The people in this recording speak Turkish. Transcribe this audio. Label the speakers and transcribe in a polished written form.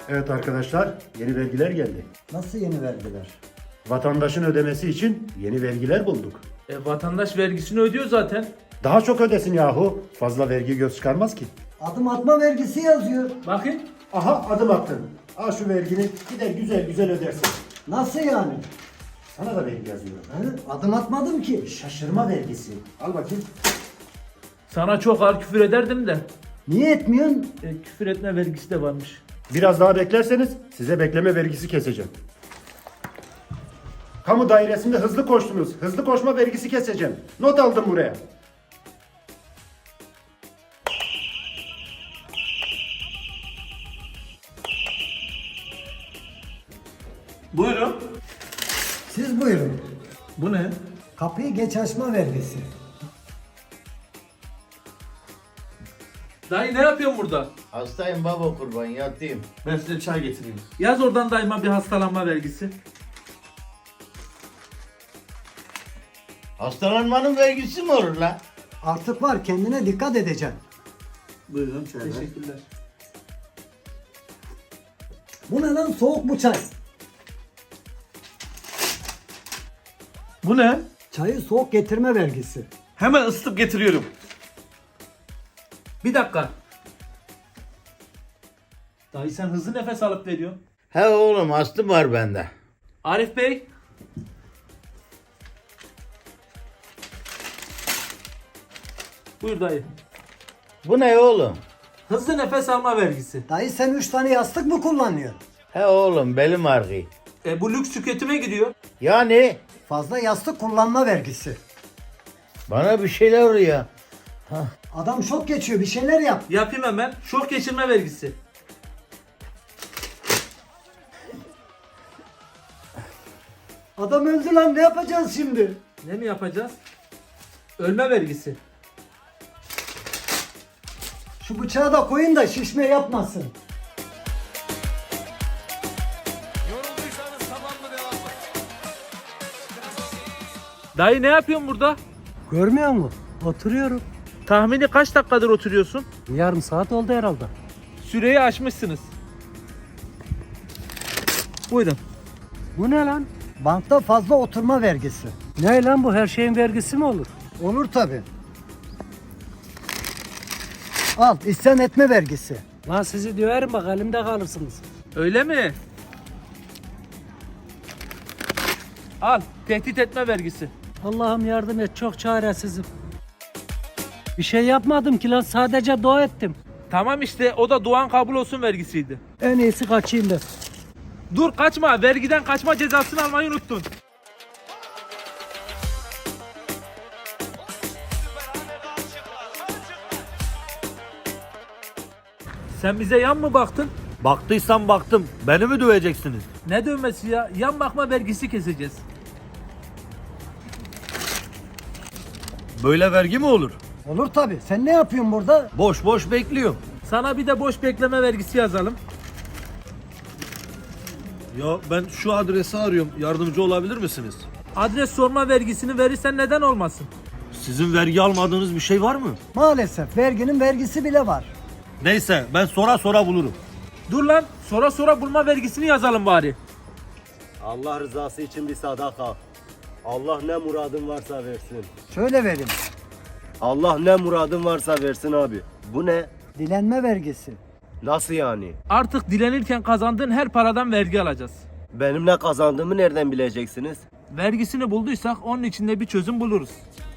Speaker 1: Evet arkadaşlar, yeni vergiler geldi.
Speaker 2: Nasıl yeni vergiler?
Speaker 1: Vatandaşın ödemesi için yeni vergiler bulduk.
Speaker 3: Vatandaş vergisini ödüyor zaten.
Speaker 1: Daha çok ödesin yahu. Fazla vergi göz çıkarmaz ki.
Speaker 2: Adım atma vergisi yazıyor.
Speaker 3: Bakın.
Speaker 1: Aha adım attın. Al şu vergini gider güzel güzel ödersin.
Speaker 2: Nasıl yani?
Speaker 1: Sana da vergi yazıyor.
Speaker 2: Adım atmadım ki.
Speaker 1: Şaşırma vergisi. Al bakayım.
Speaker 3: Sana çok ağır küfür ederdim de.
Speaker 2: Niye etmiyorsun?
Speaker 3: Küfür etme vergisi de varmış.
Speaker 1: Biraz daha beklerseniz size bekleme vergisi keseceğim. Kamu dairesinde hızlı koştunuz. Hızlı koşma vergisi keseceğim. Not aldım buraya.
Speaker 3: Buyurun.
Speaker 2: Siz buyurun.
Speaker 3: Bu ne?
Speaker 2: Kapıyı geç açma vergisi.
Speaker 3: Dayı ne yapıyorsun burada?
Speaker 4: Hastayım baba kurban yatayım.
Speaker 3: Ben size çay getireyim. Yaz oradan dayıma bir hastalanma vergisi.
Speaker 4: Hastalanmanın vergisi mi olur la?
Speaker 2: Artık var, kendine dikkat edeceksin.
Speaker 3: Buyurun. Teşekkürler.
Speaker 2: Bu ne lan, soğuk bu çay.
Speaker 3: Bu ne?
Speaker 2: Çayı soğuk getirme vergisi.
Speaker 3: Hemen ısıtıp getiriyorum. Bir dakika. Dayı sen hızlı nefes alıp veriyorsun.
Speaker 4: He oğlum astım var bende.
Speaker 3: Arif Bey. Buyur dayı.
Speaker 4: Bu ne oğlum?
Speaker 3: Hızlı nefes alma vergisi.
Speaker 2: Dayı sen 3 tane yastık mı kullanıyorsun?
Speaker 4: He oğlum belim ağrıyor.
Speaker 3: Bu lüks tüketime gidiyor.
Speaker 4: Yani
Speaker 2: Fazla yastık kullanma vergisi.
Speaker 4: bana bir şeyler oluyor.
Speaker 2: Adam şok geçiyor, bir şeyler yap.
Speaker 3: Yapayım hemen. Şok geçirme vergisi.
Speaker 2: Adam öldü lan, ne yapacağız şimdi?
Speaker 3: Ne mi yapacağız? Ölme vergisi.
Speaker 2: Şu bıçağı da koyun da şişme yapmasın.
Speaker 3: Dayı ne yapıyorsun burada?
Speaker 2: Görmüyor musun? Oturuyorum.
Speaker 3: Tahmini kaç dakikadır oturuyorsun?
Speaker 2: Yarım saat oldu herhalde.
Speaker 3: Süreyi aşmışsınız. Buyurun.
Speaker 2: Bu ne lan? Bankta fazla oturma vergisi.
Speaker 5: Ne lan bu, her şeyin vergisi mi olur?
Speaker 2: Olur tabi. Al, isyan etme vergisi.
Speaker 5: Lan sizi döverim bak, elimde kalırsınız.
Speaker 3: Öyle mi? Al, tehdit etme vergisi.
Speaker 5: Allah'ım yardım et, çok çaresizim. Bir şey yapmadım ki lan, sadece dua ettim.
Speaker 3: Tamam işte, o da duan kabul olsun vergisiydi.
Speaker 5: En iyisi kaçayım ben.
Speaker 3: Dur kaçma, vergiden kaçma cezasını almayı unuttun. Sen bize yan mı baktın?
Speaker 6: Baktıysam baktım. Beni mi döveceksiniz?
Speaker 3: Ne dövmesi ya? Yan bakma vergisi keseceğiz.
Speaker 6: Böyle vergi mi olur?
Speaker 2: Olur tabi. Sen ne yapıyorsun burada?
Speaker 6: Boş boş bekliyorum.
Speaker 3: Sana bir de boş bekleme vergisi yazalım.
Speaker 6: Ya ben şu adresi arıyorum. Yardımcı olabilir misiniz?
Speaker 3: Adres sorma vergisini verirsen neden olmasın?
Speaker 6: Sizin vergi almadığınız bir şey var mı?
Speaker 2: Maalesef verginin vergisi bile var.
Speaker 6: Neyse ben sonra sonra bulurum.
Speaker 3: Dur lan, sonra bulma vergisini yazalım bari.
Speaker 7: Allah rızası için bir sadaka. Allah ne muradın varsa versin.
Speaker 2: Şöyle vereyim.
Speaker 7: Allah ne muradın varsa versin abi. Bu ne?
Speaker 2: Dilenme vergisi.
Speaker 7: Nasıl yani?
Speaker 3: Artık dilenirken kazandığın her paradan vergi alacağız.
Speaker 7: Benim ne kazandığımı nereden bileceksiniz?
Speaker 3: Vergisini bulduysak onun içinde bir çözüm buluruz.